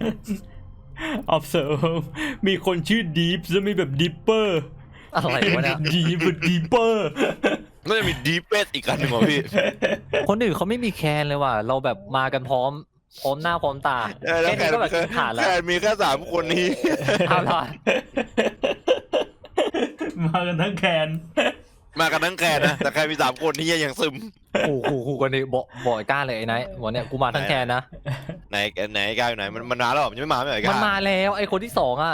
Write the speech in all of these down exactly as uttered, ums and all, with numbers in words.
observe มีคนชื่อ deep จะมีแบบ deeper อะไรวะเนี่ย deep deeper น่าจะมีดีเฟสอีกอันหนึ่งว่ะพี่คนอื่นเขาไม่มีแคนเลยว่ะเราแบบมากันพร้อมพร้อมหน้าพร้อมตาเออแล้วแค่แค่นี้ก็แบบกินขาดแล้วแค่มีแค่สามคนนี้เอาล่ะมากันทั้งแคนมากันทั้งแคนนะแต่แค่มีสามคนนี้ยังซึมขู่ขู่ขู่กันดิบอกบอกไอ้ก้าเลยไอ้ไนท์บอกเนี่ยกูมาทั้งแคนนะไหนไหนกายอยู่ไหนมันมันมาแล้วเหรอมันยังไม่มาไม่เหรอมันกายมาแล้วไอ้คนที่สองอ่ะ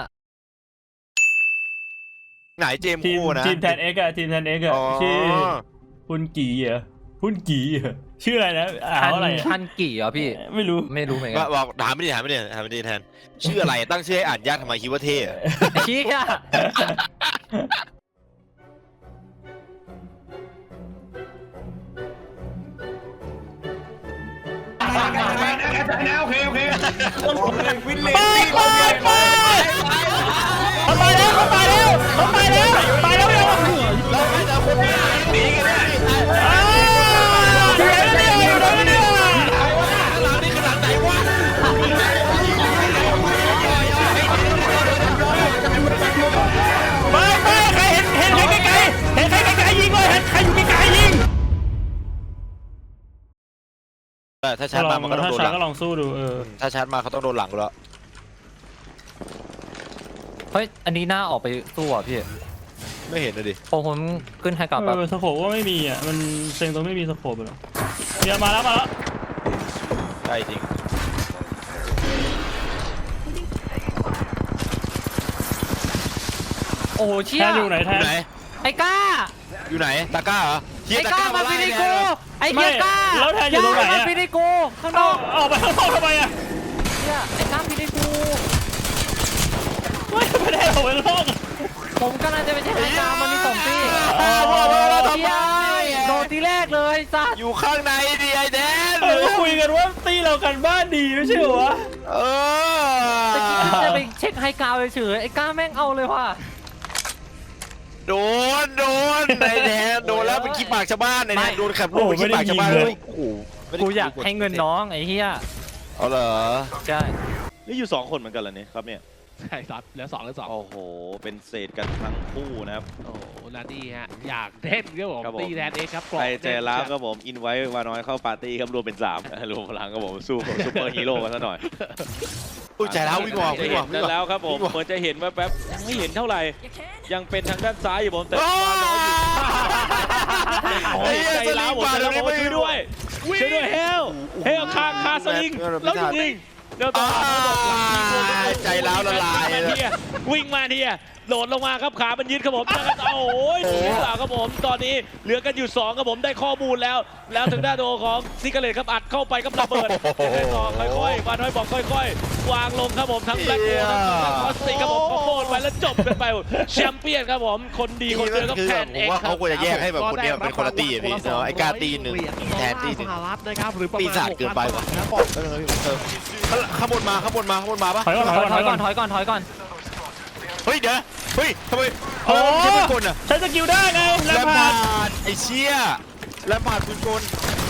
ไหนเจมส์ทีมคู่นะทีมแทนเอ็กอะทีมแทนเอ็กอะชื่อพุนกีเหรอพุนกีเหรอชื่ออะไรนะอ่านว่าอะไรอะทันกี่เหรอพี่ไม่รู้ไม่รู้เหมือนกัว่าน บอกถามไม่ดีถามไม่ดีถามไม่ดีแทนชื่ออะไรตั้งชื่อให้อ่านยากทำไมคิดว่าเท่อะเชี่ยโอเคโอเควินเลไปไปไปเขาไปแล้วเขาไปแล้วเขาไปแล้วไปแล้วยังเราไม่จะคนนี้หนีกันได้อ้าวเดี๋ยวเดี๋ยวเดี๋ยวเดี๋ยวเดี๋ยวหลังนี่คือหลังไหนวะไปไปใครเห็นเห็นใครไกลๆเห็นใครไกลๆยิงเลยเห็นใครอยู่ไกลๆยิงถ้าชาร์จมามันก็ต้องโดนหลังก็ลองสู้ดูเออถ้าชาร์จมาเขาต้องโดนหลังแล้วเฮ้ยอันนี้หน้าออกไปสู้อ่ะพี่ไม่เห็นเลยดิพอผมขึ้นไฮกลับแบบเออสโคปก็ไม่มีอ่ะมันเซ็งตรงไม่มีสโคปเลยเดี๋ยวมาแล้วมาแล้วใช่จริงโอ้โหเชี่แทยนอยู่ไหนอแทนยู่ไหนไอ้ก้าอยู่ไหนตาก้าเหรอเฮียไอ้ตาก้าก้ามามาฟิไล่นิเนี่ยกูไอ้เฮียก้าแล้วแทนอยู่ตรงไหนมาอะฟินิกูข้างนอกออกไปข้างนอกทำไมอ่ะเนี่ยไอ้ก้าฟินิกูไม่ไม่ได้ออกไปข้างนอกผมกำลังจะไปใช้ไฮกลับมันมีสองตีอ้าวพวกเราเราทำไมโดนทีแรกเลยสัสอยู่ข้างในดิไอแดนเออคุยกันว่าตีเรากันบ้านดีไม่ใช่เหรอวะเออตะกี้จะไปเช็คไฮกราวเฉยๆไอ้ก้าแม่งเอาเลยว่ะโดนโดนไอแดนโดนแล้วเป็นขี้ปากชาวบ้านไอแดนโดนขับลูกเป็นขี้ปากชาวบ้านเลยโอ้โหกูอยากให้เงินน้องไอ้เฮียเอาเหรอใช่นี่อยู่สองคนเหมือนกันเหรอเนี่ยครับเนี่ยใช่ครับเหลือสองเหลือสองโอ้โห เป็นเศษกันทั้งคู่นะครับโอ้โหนาทีฮะอยากเล่นครับผมครับผมตีแทนเองครับกรใคอรบใจร้าวครับผม อินไว้วาน้อยเข้าปาร์ตี้ครับรวมเป็นสาม รวมพลังครับผม สู้กับซูเปอร์ฮีโร่กันซะหน่อยอุ้ยใจแล้ววิ่งออกจะวิ่งเห็ออกนวิ่งออกแล้วครับผมวิ่งออกเหมือนจะเห็นว่าแป๊บยังไม่เห็นเท่าไหร่ ยังเป็นทางด้านซ้ายอยู่ผมแต่โอ้วาน้อยอยู่โอ้ยไอ้ใจเหี้ยร้าวผมสลิงแล้วบาดผมช่วยด้วยช่วยด้วยเฮลเฮลคาคาสลิงแล้วยิงเดี๋ยวต่อมาบอกหลังยิงโดนใจร้าวละลายมาเทียวิ่งมาเทียโดดลงมาครับขามันยึดครับผมแล้วก็เอาโอ้ยหนีหรือเปล่าครับผมตอนนี้เหลือกันอยู่สองครับผมได้ข้อมูลแล้ว แล้วทางด้านโดของซิกเกอร์เลตครับอัดเข้าไปกับระเบิดยังไงต่อค่อยๆวาน้อยบอกค่อยๆ วางลงครับผมทั้งแบล็คโฮทั้งคอสติกครับผมขอโทษไปแล้วจบกันไปแชมเปี้ยนครับผมคนดีคนเดิมก็คือแทนผเอมงว่าครัเขาบควรจะแยกให้แบบคนเนี้ยเป็นคนละตีอะพี่เนาะไอ้กาตีหนึ่งแทนตีหนึ่งสหรัฐนะครับหรือประมาณปีศาจเกินไปว่ะนะเออเออข้างบนมาข้างบนมาข้างบนมาปะถอยก่อนถถออย ยก่ก่ออน นถอยก่อนถอยก่อนเฮ้ยเดี๋ยวเฮ้ยทำไมโอ้ใช้ปืนกลอ่ะใช้สกิลได้ไงแลแล้วมผ่าพาน ดไอ้เชี่ยแลมพาดปืนกล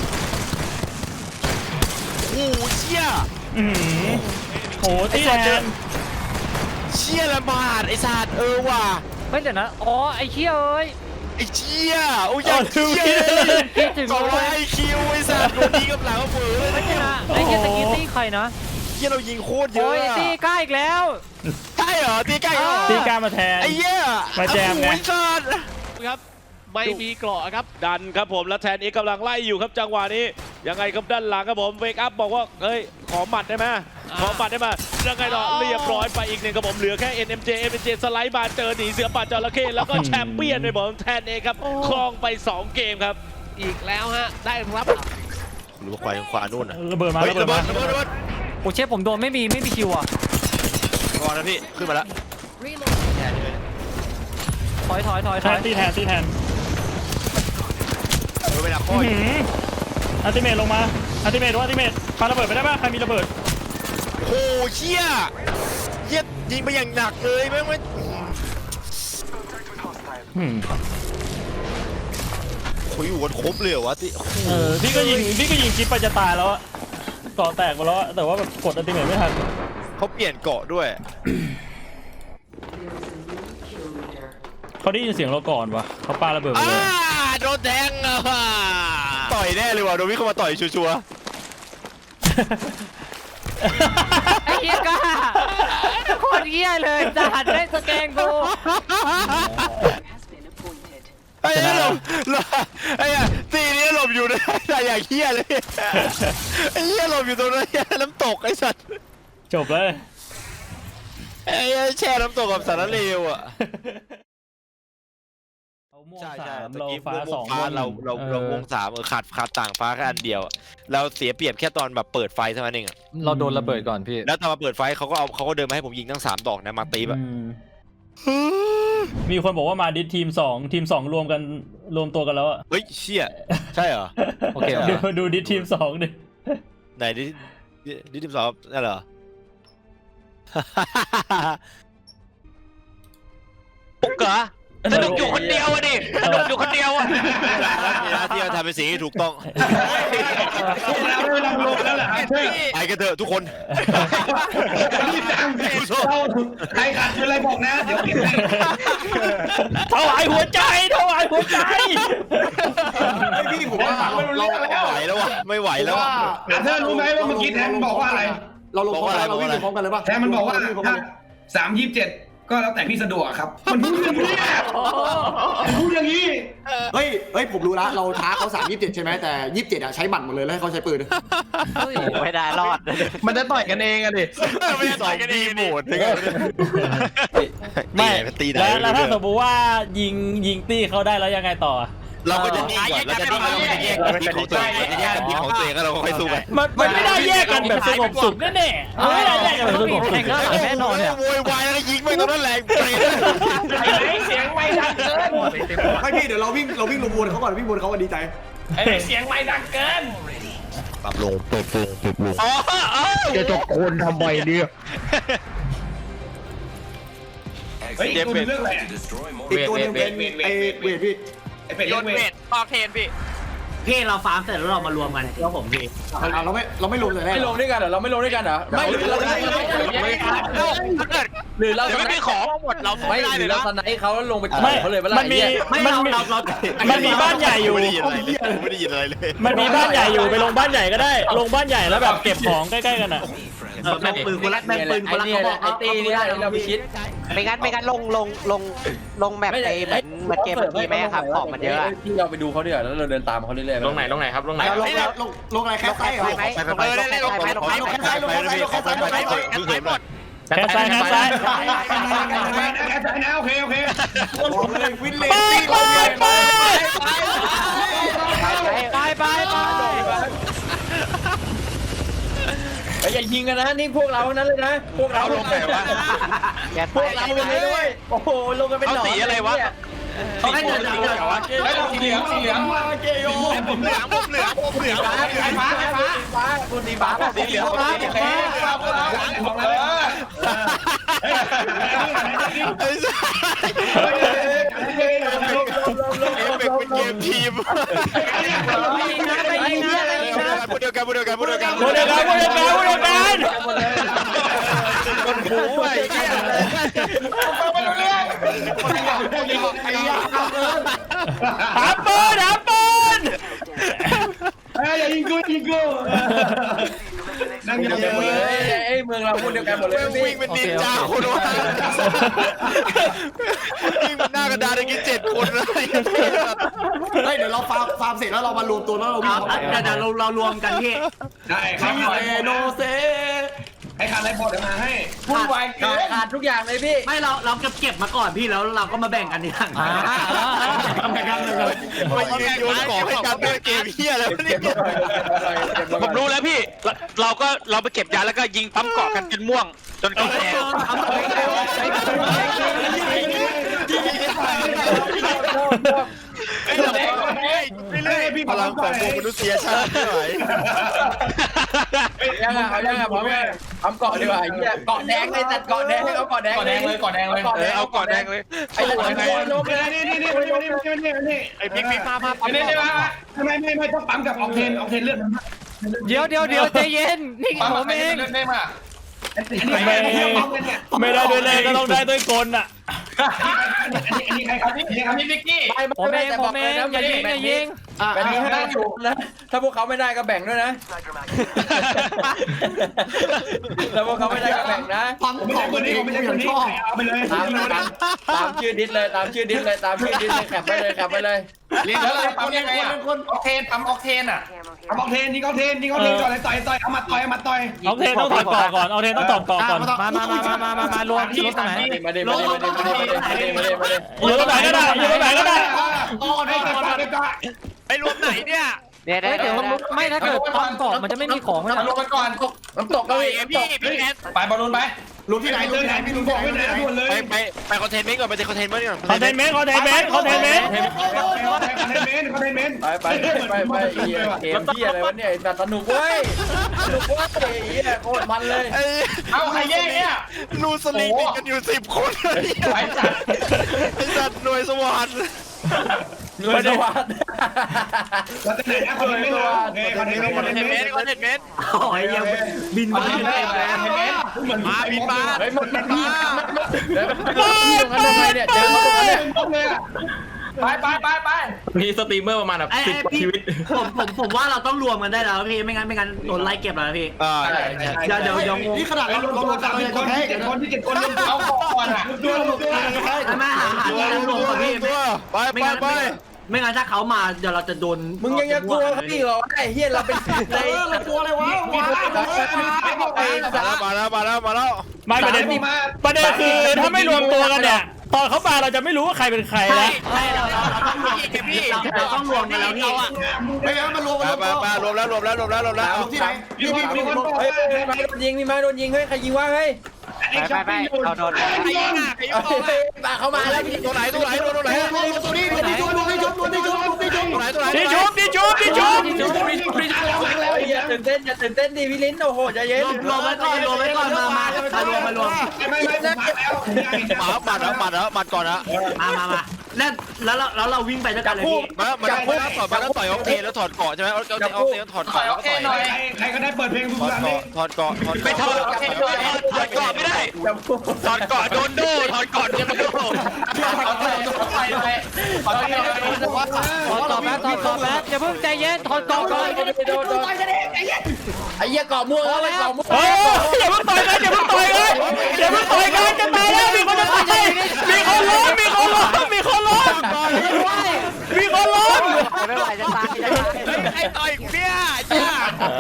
โอ้โหเชี่ยอืมโหตีแทนเชี่ยแลมพาดไอ้สัตว์เออว่ะเฮ้ยเดี๋ยวนะอ๋อไอ้เชี่ยเอ้ยไอ้เชี่ยโอ้ยยังเชี่ยเลยคิดถึงสองเลร้อยยไอคิวไอ้สัตว์โดนยิงกับหลังเฟือไม่ใช่นะไอ้เชี่ยตะกี้ตีใครนะเชี่ยเรายิงโคตรเยโอ้อะยอะตีกล้าอีกแล้วใช่เหรอตีใกล้เหรอตีกล้ามาแทนไอ้เหี้ยมาแจมไงโอ้ยสัตว์ครับไม่มีเกราะครับดันครับผมแล้วแทนเอกกำลังไล่อยู่ครับจังหวะนี้ยังไงครับด้านหลังครับผมเวกอัพบอกว่าเฮ้ยขอหมัดได้ไหมขอหมัดได้ไหมยังไงต่อเรียบร้อยไปอีกหนึ่งครับผมเหลือแค่ เอ็น เอ็ม เจ เอ็น เอ็ม เจ สไลด์มาเจอหนีเสือป่าจระเข้แล้วก็แชมเปี้ยนไปบอกแทนเอกครับครองไปสองเกมครับอีกแล้วฮะได้รับหรือว่าควายขวานู่นอ่ะระเบิดมาเฮ้ยระเบิระดเบิมาดระเบิดระเบิดโอ้เชฟผมโดนไม่มีไม่มีคิวอ่ะก่อนนะพี่ขึ้นมาแล้วแทนเลยถอยถอยถอยแทถอน ยตีแทนตีแทนโดนไปหนักข้ออื้ออีกหืออัลติเมทลงมาอัลติเมทว่าอัลติเมทปาระเบิดไปได้ป่ะใครมีระเบิดโอ้โหเชี่ยเหี้ยยิงไปอย่างหนักเลยแม่งไม่อืมคุยอยู่กันครบเลยเหรอวะที่เออพี่ก็ยิงพี่ก็ยิงจิ๊บไปจะตายแล้วอะเกาะแตกไปแล้วอะแต่ว่าแบบกดอัลติเมทไม่ทันเขาเปลี่ยนเกาะด้วยเขาได้ยินเสียงเราก่อนวะเขาปาระเบิดไปอ่าเลยโดนแทงอ่ะต่อยแน่เลยว่ะโดนวิ่งเข้ามาต่อยชัวร์ไอ้เหี้ยก้าโคตรเหี้ยเลยจะหันได้สแกงกูไอ้เหี้ยหลบหลบไอ้เหี้ยตีนี้หลบอยู่นะแต่อย่างเหี้ยเลยไอ้เหี้ยหลบอยู่ตรงนั้นน้ำตกไอ้สัตว์จบเลยไอ้เหี้ยแช่น้ำตกกับสารเลวอ่ะเราม่วงใช่สาใช่มตะเรากี้ฟ้าม่วงสองฟ้าเราเราเราออวงสามเออขาดขาดต่างฟ้าแค่อันเดียวอะเราเสียเปรียบแค่ตอนแบบเปิดไฟเท่านั้นเองอะเราโดนระเบิดก่อนพี่แล้วตอนมาเปิดไฟเขาก็เอาเขาก็เดินมาให้ผมยิงทั้งสามดอกนะมาตีแบบอืมมีคนบอกว่ามาดิสทีมสองทีมสองรวมกันรวมตัวกันแล้วอะเฮ้ยเชี่ยใช่เหรอโอเคดูดูดิสทีมสองดิไหนดิดิดิทีมสองนั่นเหรอปุ๊กเหรอสนุกอยู่คนเดียวอะดิสนุกอยู่คนเดียวอะนี่นะที่เราทำเป็นสิ่งที่ถูกต้องเราไม่ลำลงแล้วแหละครับเฮ้ยไปกันเถอะทุกคนเราใครขาดเป็นอะไรบอกนะเดี๋ยวเก็บให้ถวายหัวใจถวายหัวใจพี่ผมว่าไม่รู้เราเรื่องไม่แล้วไหวแล้ววะไม่ไหวแล้วอะอ่ะเธอรู้ไหมว่าเมื่อกี้แทนบอกว่าอะไรเราลงพร้อมกันเราวิ่งพร้อมกันเลยป่ะแทนมันบอกว่าถ้าสามยี่สิบเจ็ดก็แล้วแต่พี่สะดวกครับ มันพูดอย่างนี้มันพูดอย่างนี้เฮ้ยเฮ้ยผมรู้ละเราท้าเขาสามยี่สิบเจ็ดใช่ไหมแต่ยี่สิบเจ็ดอะใช้บัตรหมดเลยแล้วให้เขาใช้ปืนไม่ได้รอดมันจะต่อยกันเองอะดิไม่ได้ต่อยกันดีโหมดถึงไม่ตีไหนแล้วแล้วถ้าสมมติว่ายิงยิงตี้เขาได้แล้วยังไงต่อเราก็จะนิ่งก่อนเราจะนิ่งเราจะแยกทีมของตัวเองเราจะแยกทีมของตัวเองแล้วเราก็ค่อยสู้กันมันมันไม่ได้แยกกันแบบสงบสุขแน่ๆมันไม่ได้แยกกันแบบสงบสุขแน่นอนเนี่ยโวยวายแล้วยิงไม่ตรงนั้นแรงไปไอ้ไหนเสียงไม่ดังเกินไม่พี่เดี๋ยวเราวิ่งเราวิ่งลงบนเขาก่อนวิ่งบนเขาวันดีใจไอ้เสียงไม่ดังเกินปรับลงปรับลงปรับลงอ๋ออ๋อจะตะโกนทำไมเนี่ยเฮ้ยตัวเรื่องอะไรอีกตัวหนึงเป็นไอเวทพี่ไอ้เป็ดโยเล่นนเวเบ็ทดออกเทนพี่พี่เราฟาร์มเสร็จแล้วเรามารวมกันเที่ยวผมพี่อ่ะเราไม่เราไม่ลงเลยแน่ไม่ลงด้วยกันเหรอเราไม่ลงด้วยกันเหรอไม่เราไม่ถ้าเกิดหรือเราเดี๋ยวไม่มีของหมดเราไม่ได้เลยนะเขาลงไปไม่มันมีไม่มันเรามีเราเรามันมีบ้านใหญ่อยู่ไม่ได้ยินอะไรเลยไม่ได้ยินอะไรเลยมันมีบ้านใหญ่อยู่ไปลงบ้านใหญ่ก็ได้ ลงบ้านใหญ่แล้วแบบเก็บของใกล้ๆกันอ่ะเออแม่งปืนคนละแม่งปืนคนละเขาบอกไอ้ตีนี่เราไปคิดไม่งั้นไม่งั้นลงลงลงลงแมปไอ้เหมือนเหมือนเกมเมื่อกี้ไหมครับของมันเยอะที่เราไปดูเขาดีกว่าแล้วเราเดินตามเขาเรื่อยๆลงไหนลงไหนครับลงไหนเราลงแล้วลงลงอะไรแค่ไส้เหรอไปไหมไปไปไปไปลงไปลงไปลงไปลงไปลงไปลงไปลงไปลงไปหมดแค่ซ้ายแค่ซ้ายแค่ใจนะโอเคโอเควินเลไปไปไปไปไปไปอย่ายิงกันนะนี่พวกเรานั้นเลยนะพวกเราลงไหนวะอย่าพวกเราเลยด้วยโอ้โหลงกันเป็นหนอนเขาสีอะไรวะเขาให้เดินสีเหลืองไอ้เราสีเหลืองสีเหลืองเกโยผมเหลืองผมเหลืองผมเหลืองไฟฟ้าไฟฟ้าฟ้าคนสีฟ้าสีเหลืองฟ้าโอเคครับของเราไอ้สัสเอฟเฟกต์เป็นเกมทีมไปยิงนะไปยิงนะไปยิงนะพูดเดียวกันพูดเดียวกันพูดเดียวกันพูดเดียวกันพูดเดียวกันพูดเดียวกันคนหูไอ้เหี้ยหาปืนหาปืนอย่ายิงกูยิงกูนั่งเยอะเลยไอ้เมืองเราพูดเดียวกันหมดเลยวิ่งเป็นนินจาคนวะวิ่งเป็นหน้ากระดานได้กินเจ็ดคนเลยเฮ้ยเดี๋ยวเราฟาร์มฟาร์มเสร็จแล้วเรามารวมตัวแล้วเราวิ่งเดี๋ยวเดี๋ยวเราเรารวมกันพี่ได้ครับเซโนเซให้ขาดอะไรพอเดี๋ยวมาให้พูดไวเกินขาดทุกอย่างเลยพี่ไม่เราเราเก็บเก็บมาก่อนพี่แล้วเราก็มาแบ่งกันทีหลังทำแข่งกันเลยมายืนโยนของให้กันด้วยเกมเฮียแล้วนี่ผมรู้แล้วพี่ เราก็เราไปเก็บยาแล้วก็ยิงปั๊มเกาะกันจนม่วง จนเกาะแดงพลังของมนุษยชาติไม่ไหวยังอ่ะยังอ่ะพร้อมไหมทำเกาะดีกว่าไอ้เหี้ยเกาะแดงเลยจัดเกาะแดงเอาเกาะแดงเลยเกาะแดงเลยเออเอาเกาะแดงเลยไอ้หัวไงลงเลยนี่นี่นี่นี่นี่นี่นี่ไอ้บิ๊กบิ๊กมามาอันนี้ได้ไหมไม่ไม่ไม่ต้องปั๊มกับออกเทนออกเทนเลือดเดี๋ยวเดี๋ยวเดี๋ยวใจเย็นนี่ปั๊มผกับมเองเลือดได้มาไม่ไม่ได้ด้วยเลยก็ต้องได้ด้วยกลอ่ะอันนี้ใครครับนี่ครับนี่พิกกี้ผมเองผมเองอย่ายิงอย่ายิงแบบนี้ให้อยู่นะถ้าพวกเขาไม่ได้ก็แบ่งด้วยนะถ้าพวกเขาไม่ได้ก็แบ่งนะฟังของคนนี้ผมยังชอบเอาไปเลยตามตามชื่อดิสเลยตามชื่อดิสเลยตามชื่อดิสเลยแคปไปเลยแคปไปเลยเรียนแล้วปั๊มยังไงอ่ะออกเทนปั๊มออกเทนอ่ะปั๊มออกเทนนี่ออกเทนนี่ออกเทนก่อนเลยต่อยต่อยเอามาต่อยเอามาต่อยเอาเทนต้องถอดเกาะก่อนเอาเทนต้องถอดเกาะก่อนมามามามามามารวมรวมตรงไหนมาเดมาเดมาเดมาเดมาเดมาเดมาเดมาเดอยู่ตรงไหนก็ได้อยู่ตรงไหนก็ได้ต่อได้ก่อนได้ก่อนไอ้รวมไหนเนี่ยเดี๋ยวเดี๋ยวไม่ถ้าเกิดตอนเกาะมันจะไม่มีของเลยลงกันก่อนน้ำตกก็พี่พี่พี่แอนไปบอลลูนไปรู้ที่ไหนรู้ที่ไหนพี่รู้ที่ไหนรู้ที่ไหนไปไปไปคอนเทนเมนต์ก่อนไปคอนเทนเมนต์ก่อนคอนเทนเมนต์คอนเทนเมนต์คอนเทนเมนต์คอนเทนเมนต์คอนเทนเมนต์ไปไปไปไปเกมที่อะไรวะเนี่ยแบบสนุกเว้ยสนุกเว้ยเฮียโคตรมันเลยเอาใครแย่เนี่ยรูสลิงติดกันอยู่สิบคนไอ้สัตว์ไอ้สัตว์หน่วยสวรรค์เงินสวัสดิ์เราจะไหนนะคอนเทนเมนต์คอนเทนเมนต์คอนเทนเมนต์คอนเทนเมนต์โอ้ยยังบินมาบินได้แมาบินมาเฮ้ยมันมันมาเดี๋ยวพี่ตรงนั้นทำไมเนี่ยเจอเขาตรงนั้นเนี่ยไปไปไปไปมีสตรีมเมอร์ประมาณแบบสิบกว่าชีวิตผมผมผมว่าเราต้องรวมกันได้แล้วพี่ไม่งั้นไม่งั้นโดนไล่เก็บแล้วพี่อ่าเดี๋ยวเดี๋ยวยังนี่ขนาดเราเราลงกันเลยคนจะแพ้ที่เจ็ดคนที่เจ็ดคนเอาก่อนอ่ะตัวตัวไม่หาหาที่รวมกับพี่ไปไปไปไม่งั้นถ้าเขามาเดี๋ยวเราจะโดนมึงยังจะกลัวเขาอีกเหรอไอ้เฮียเราเป็นในเรากลัวอะไรวะมาแล้วมาแล้วมาแล้วไม่ประเด็นประเด็นคือถ้าไม่รวมตัวกันเนี่ยตอนเขามาเราจะไม่รู้ว่าใครเป็นใครแล้วใช่เราเราต้องรวมเราต้องรวมกันแล้วพี่ไม่งั้นมันรวมมามามารวมแล้วรวมแล้วรวมแล้วรวมแล้วที่ไหนพี่พี่พี่เฮ้ยไม้โดนยิงพี่ไม้โดนยิงเฮ้ยใครยิงวะเฮ้ยไปไปเอาโดนใครยิงอ่ะใครยิงออกอ่ะเข้ามาแล้วพี่ตัวไหนตัวไหนตัวไหนตัวนี้ตัวนี้ตัวนี้ชุบตัวนี้ชุบตัวนี้ชุบตัวไหนตัวไหนดิชุบดิชุบดิชุบแล้วอย่าตื่นเต้นอย่าตื่นเต้นดิพี่ลิ้นโอ้โหใจเย็นรวมไว้ก่อนรวมไว้ก่อนมามามารวมมารวมไม่ไม่ไม่มาแล้วหมาหมัดแล้วหมัดแล้วหมัดก่อนนะมามามาแล้วแล้วเราแล้วเราวิ่งไปด้วยกันเลยพี่มามาแล้วต่อยมาแล้วต่อยออกเทแล้วถอดเกาะใช่ไหมเอาเอาเอาเทแล้วถอดเกาะแล้วก็ต่อยหน่อยใครก็ได้เปิดเพลงทุกถอดท่านเกาะถอดเกาะถอดไม่ถอดถอดเกาะไม่ได้ถอดเกาะโดนโดถอดเกาะจะมาโดนไปไปขอโทษถอดกรอบแป๊บถอดกรอบแป๊บอย่าเพิ่งใจเย็นถอดกรอบก่อนโดนโดนไอ้เหี้ยเกาะม่วงไอ้เกาะม่วงเฮ้ยอย่าเพิ่งต่อยกันอย่าเพิ่งต่อยกันอย่าเพิ่งต่อยกันจะตายแล้วมีคนจะตายมีคนล้มมีคนล้มมีคนล้มมีคนล้มไม่ไหวจะตายจะตายไอ้ต่อยกูเนี่ยจ้า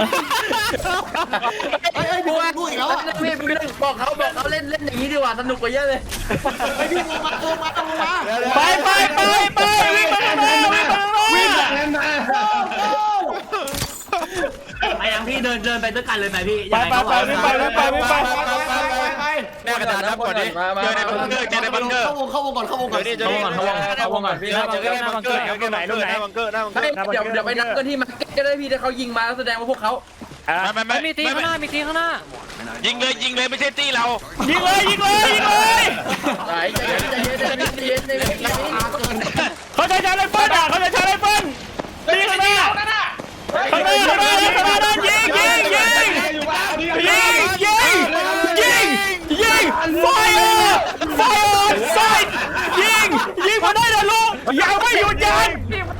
ไอ้ไอ้พี่ดูอีกแล้วพี่บอกเขาบอกเขาเล่นเล่นอย่างนี้ดีกว่าสนุกกว่าเยอะเลยไอ้พี่ลงมาลงมาลงมาไปไปไปไปวิ่งไปข้างหน้าวิ่งไปข้างหน้าวิ่งแบบนั้นมาไปยังพี่เดินเดินไปด้วยกันเลยไหมพี่ไปไปไปวิ่งไปวิ่งไปวิ่งไปแม่กระดานนับก่อนดิเจอในบังเกอร์เจอในบังเกอร์เข้าวงเข้าวงก่อนเข้าวงก่อนเดี๋ยวนี่เจอในบังเกอร์เข้าวงก่อนพี่เจอในบังเกอร์เจอในบังเกอร์หน้าบังเกอร์หน้าบังเกอร์เดี๋ยวเดี๋ยวไปนับกันที่มาก็ได้พี่ถ้าเขายิงมาแสดงว่าพวกเขาไม่ไม่มีตีข้างหน้ามีตีข้างหน้ายิงเลยยิงเลยไม่ใช่ตีเรายิงเลยยิงเลยยิงเลยไหนใจเย็นใจเย็นใจเย็นใจเย็นใจเย็นเขาใช้ชาร์จไรเฟิลอ่ะเขาใช้ชาร์จไรเฟิลตีข้างหน้าข้างหน้าข้างหน้าข้างหน้าด้านยิงยิงยิงยิงยิงยิงยิงไฟร์ไฟร์ไซด์ยิงยิงมาได้นะลูกยังไม่หยุดยัน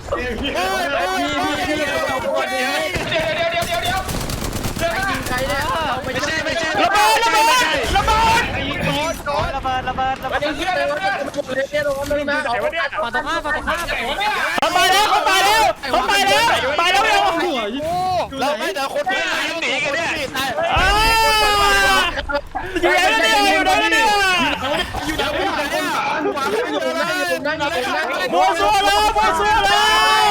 ใครเนี่ยไม่ใช่ไม่ใช่ระเบิดระเบิดระเบิดระเบิดระเบิดระเบิดไอ้เหี้ยอะไรวะเนี่ยเนี่ยลงมามาฝั่งตรงข้ามฝั่งตรงข้ามเขาตายแล้วเขาตายแล้วเขาตายแล้วตายแล้วยังเราไม่แต่คนที่หนีกันเนี่ยอ้าอยู่ไหนเนี่ยอยู่ไหนเนี่ยอยู่ไหนอยู่ไหนเนี่ยมัวซัวแล้วมัวซัวแล้ว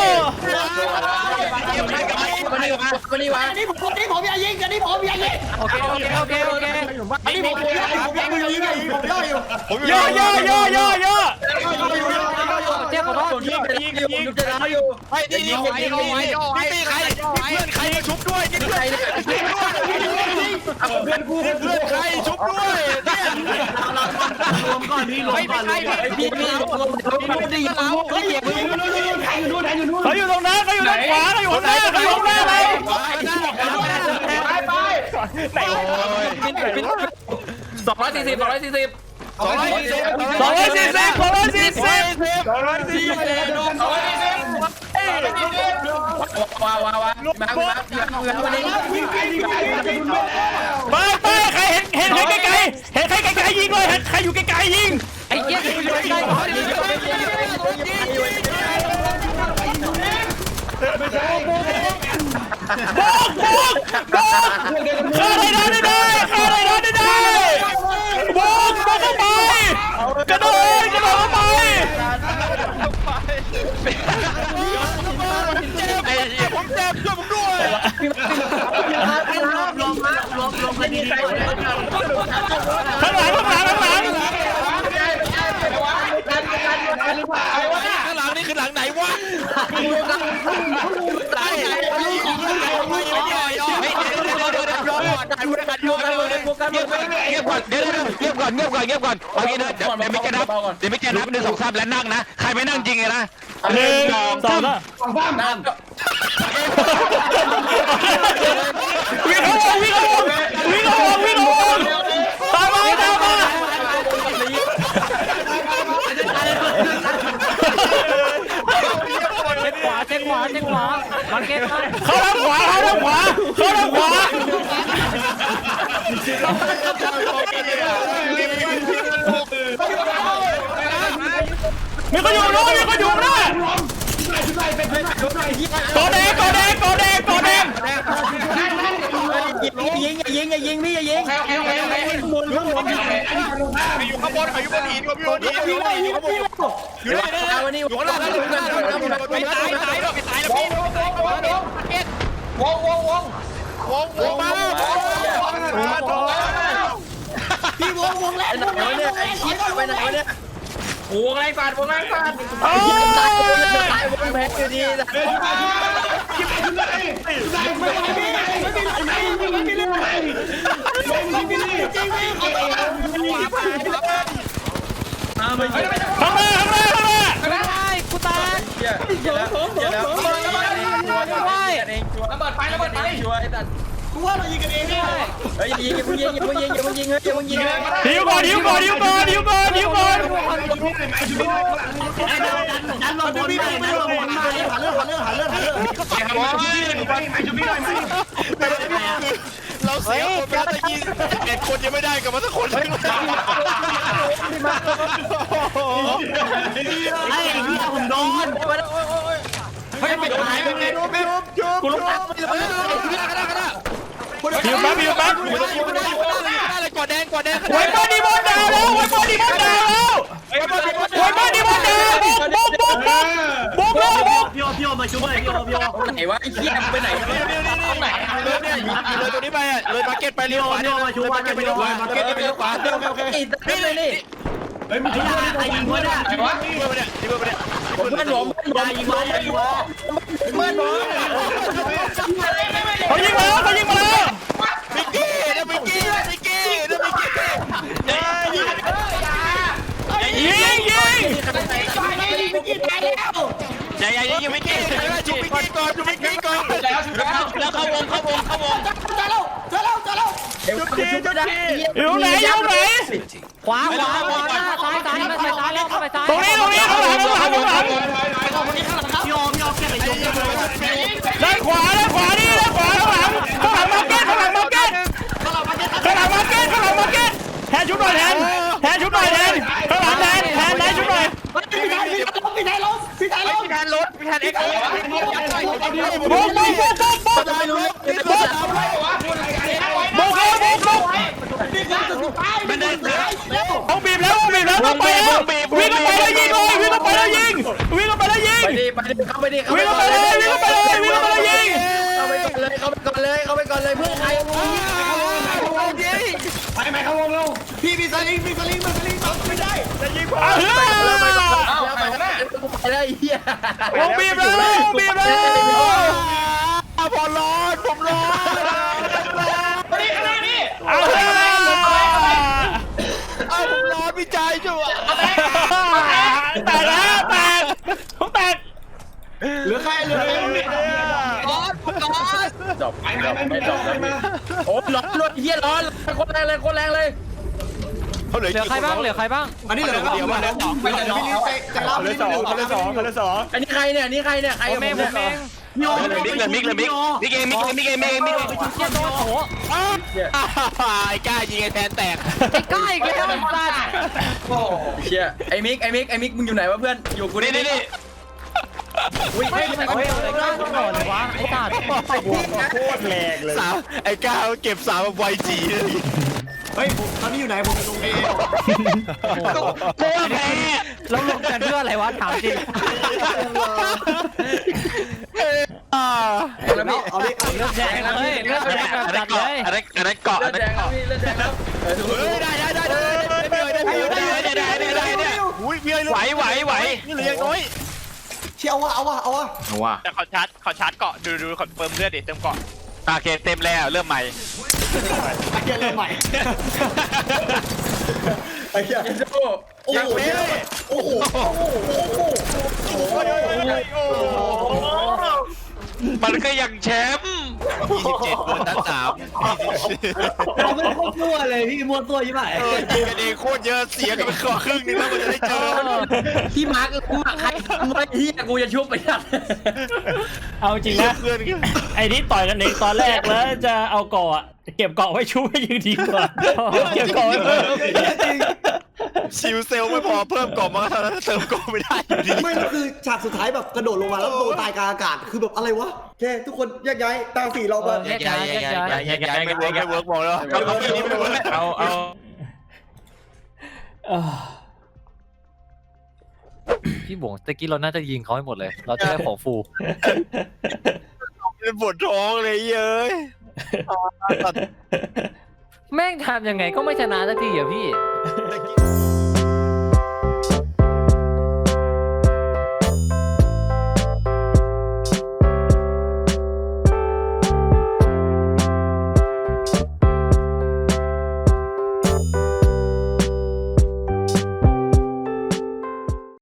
มานี่มามานี่มาอันนี้ผมอันนี้ผมอย่ายิงอันนี้ผมอย่ายิงโอเคโอเคโอเคโอเคอันนี้ผมอย่ายิงผมอย่ายิงผมย่ออยู่ย่อย่อย่อย่อย่อเจ้าขอโทษยิงยิงยิงจะร้ายอยู่ไอ้นี่นี่ใครนี่ใครเพื่อนใครชุบด้วยนี่เพื่อนใครเนี่ยเพื่อนกูเพื่อนใครชุบด้วยเนี่ยรวมก่อนพี่รวมก่อนเลยพี่พี่พี่ได้ยินเราเฮ้ยมึงใครอยู่นู่นใครอยู่นู่นเขาอยู่ตรงนั้นเขาอยู่ด้านขวาเขาอยู่ข้างหน้าเขาอยู่ข้างหน้าเราไปไปไหนวะสองร้อยสี่สิบสองร้อยสี่สิบสองร้อยสี่สิบสองร้อยสี่สิบสองร้อยสี่สิบสองร้อยสี่สิบว้าวว้าวว้าวมามาวันนี้ไปไปใครเห็นเห็นใครไกลๆเห็นใครไกลๆยิงเลยเห็นใครอยู่ไกลๆยิงไอ้เหี้ยอยู่ใกล้ๆโบกโบกโบกฆ่าอะไรนะได้ได้ฆ่าอะไรนะได้ได้โบกโบกเข้าไปกระโดดกระโดดเข้าไปไอ้เหี้ยผมเจ็บช่วยผมด้วยรวมรวมรวมรวมกันดีๆข้างหลังข้างหลังข้างหลังข้างหลังนี่คือหลังไหนวะไหนลูกของไหนไม่ย่อย่อเฮ้ยเดี๋ยวเดี๋ยวเดี๋ยวย่อก่อนได้พูดกันย่อกันเลยเงียบก่อนเดี๋ยวเงียบก่อนเงียบก่อนเงียบก่อนเอางี้นะเดี๋ยวไม่แกนับเดี๋ยวไม่แกนับหนึ่งสองสามแล้วนั่งนะใครไม่นั่งจริงไงนะหนึ่งสองสามวิ่งเข้าวงวิ่งเข้าวงวิ่งเข้าวงวิ่งเข้าวงตามมาตามมาขวาเช็คขวาเช็คขวามาเก็ตเข้าทางขวาเข้าทางขวาเข้าทางขวามีคนอยู่นู้นมีคนอยู่นู้นกอแดงกอแดงกอแดงกอแดงยิงยิงอย่ายิงอย่ายิงพี่อย่ายิงอยู่ข้างบนอยู่บนหินอยู่บนหินอยู่บนหินอยู่ข้างบนอยู่ข้างล่างอยู่ข้างล่างอยู่ข้างล่างไม่ตายตายแล้วไม่ตายแล้วพี่วงวงวงวงวงมาพี่วงวงแล้วไอ้ชี้ไปไหนเนี่ยวงไรฟาดวงไรฟาดโอ้ยแพ้อยู่ดีนะมาไปข้างหน้าข้างหน้าข้างหน้าไม่ได้กูตายระเบิดไประเบิดไฟกูว่าเรายิงกันเองเนี่ยเฮ้ยยิงอย่าเพิ่งยิงอย่าเพิ่งยิงอย่าเพิ่งยิงเฮ้ยอย่าเพิ่งยิงเลยหิวก่อนหิวก่อนหิวก่อนหิวก่อนหิวก่อนดันลงบนไปดันลงบนไปหาเรื่องหาเรื่องหาเรื่องหาเรื่องเราเสียคนแล้วจะยิงเอ็ดคนยังไม่ได้กับมาสักคนเลยไอ้พี่ผมโดนเฮ้ยไม่ตายไม่โดนไม่โดนกูลงน้ำไปเลยหิวแป๊บหิวแป๊บอะไรกอดแดงกอดแดงไวเปอร์ดีบอลดาวแล้วไวเปอร์ดีบอลดาวแล้วไวเปอร์ดีบอลดาวบุกบุกบุกบุกบุกแล้วบุกพี่โอพี่โอมาช่วยพี่โอพี่โอไหนวะไอ้เหี้ยไปไหนกันเนี่ยไหนเลยเนี่ยเลยตัวนี้ไปอ่ะเลยมาเก็ตไปเลี้ยวขวาพี่โอมาช่วยมาเก็ตไปเลี้ยวขวามาเก็ตไปเลี้ยวขวาเร็วโอเคนี่เลยนี่เฮ้ยมึงยิงใครยิงวะเนี่ยนี่เบอร์เนี่ยนี่เบอร์เนี่ยเพื่อนผมอย่ายิงวะอย่ายิงวะเพื่อนผมเขายิงมาแล้วเขายิงมาแล้วมิกกี้นะมิกกี้มิกกี้นะมิกกี้ยิงยิงยิงอย่าอย่ายิงมิกกี้ชุบมิกกี้ก่อนชุบมิกกี้ก่อนแล้วชุดแล้วแล้วเข้าวงเข้าวงเข้าวงชุบทีชุบทีอยู่ไหนอยู่ไหนขวาขวาขวาซ้ายซ้ายมาซ้ายแล้วเข้าไปซ้ายตรงนี้ตรงนี้ข้างหลังข้างหลังข้างหลังพี่โอพี่โอแค่ไปชุบด้านขวาด้านขวานี่ด้านขวาข้างหลังข้างหลังมาร์เก็ตข้างหลังมาร์เก็ตข้างหลังมาร์เก็ตข้างหลังมาร์เก็ตแทนชุดหน่อยแทนแทนชุดหน่อยแทนข้างหลังแทนแทนไหนชุดหน่อยพี่ชายพี่ชายล้มพี่ชายล้มพี่ชายล้มพี่แทนรถพี่แทนเอ็กซ์บุกบุกบุกบุกบุกบุกไม่รู้บุกบุกเลยบุกบุกมันเดินต้องบีบแล้วต้องบีบแล้วต้องไปแล้ววิ่งเข้าไปแล้วยิงเลยวิ่งเข้าไปแล้วยิงวิ่งเข้าไปแล้วยิงไปดิไปดิเข้าไปดิวิ่งเข้าไปเลยวิ่งเข้าไปเลยวิ่งเข้าไปเลยยิงเข้าไปก่อนเลยเข้าไปก่อนเลยเข้าไปก่อนเลยเพื่อใครไปไหมเขาวงลงพี่มีสลิงมีสลิงมีสลิงไม่ได้จะยิงผมอ้าวเอาไปนะไปได้เหี้ยวงบีบแล้วบีบแล้วพอร้อนผมร้อนอ้าวเอาผมร้อนพี่ใจจั่วแตกแล้วแตกผมแตกเหลือใครเหลือใครร้อนผมร้อนจบไปไปไปไปไปมาโอ้ร้อนรถเฮียร้อนโคตรแรงเลยโคตรแรงเลยเหลือใครบ้างเหลือใครบ้างอันนี้เหลือเดียวเหลือสองไปแต่พี่ลิใจใจร้าวพี่ลิสองคนละสองคนละสองอันนี้ใครเนี่ยนี่ใครเนี่ยใครผมเองผมเองโยมิกเลยมิกเลยมิกมิกเองมิกมิกเองมิกเองมิกเองเชี่ยโดนโถไอ้ก้ายิงไอ้แทนแตกไอ้ก้าอีกแล้วไอ้สัตว์โอ้เชี่ยไอ้มิกไอ้มิกไอ้มิกมึงอยู่ไหนวะเพื่อนอยู่กูนี่นี่นี่ไม่ไม่ไม่ไม่ไอ้ก้าโดนเลยวะไอ้สัตว์โคตรแรงเลยสาวไอ้ก้าเก็บสาวไวจีเลยเฮ้ยผมตอนนี้อยู่ไหนผมอยู่ตรงเอโคตรแพ้เราลงกันเพื่ออะไรวะถามจริงแล้วพี่เอาดิเอาดิเลือดแดงเลยเลือดแดงแบบจัดเลยอันนั้นอันนั้นเกาะอันนั้นเกาะเลือดแดงครับเฮ้ยได้ได้ได้ได้ได้ได้ได้ได้ได้ได้อุ้ยเมียไหวไหวไหวนี่เหลือยังน้อยเชี่ยเอาวะเอาวะเอาวะเอาว่ะแต่ขอชาร์จขอชาร์จเกาะดูดูคอนเฟิร์มเลือดดิเติมเกาะโอเคเต็มแล้วเริ่มใหม่ไอ้เหี้ยเริ่มใหม่ไอ้เหี้ยโอ้โหโอ้โหมันก็ยังแชมป์ยี่สิบเจ็ดโดนนัดสามเราไม่โคตรมั่วเลยพี่มั่วตัวยี่ห้อเออยิงกันเองโคตรเยอะเสียกันไปครึ่งครึ่งนึงแล้วมันจะได้เจอพี่มาร์คกูมาร์คใครไม่ที่กูจะชุบไปยัดเอาจริงนะไอ้นี่ต่อยกันเองตอนแรกแล้วจะเอาเกาะเก็บเกาะไว้ชูให้ยืนดีกว่าเก็บเกาะไว้เพิ่มชิวเซลไม่พอเพิ่มกล่องมาเท่านั้นเติมกล่องไม่ได้อยู่ดีไม่คือฉากสุดท้ายแบบกระโดดลงมาแล้วโดนตายกลางอากาศคือแบบอะไรวะแค่ทุกคนแยกย้ายตาสีเราแบบแยกย้ายแยกย้ายย้ายย้ายไม่เวิร์กไม่เวิร์กบอกแล้วเอาเอานี้ไม่เวิร์กเอาเอาพี่บวงตะกี้เราน่าจะยิงเขาให้หมดเลย เราจะได้ของฟูเป็นปวดท้องเลยเย้ยแม่งทำยังไงก็ไม่ชนะสักทีอ่ะพี่ตะกี้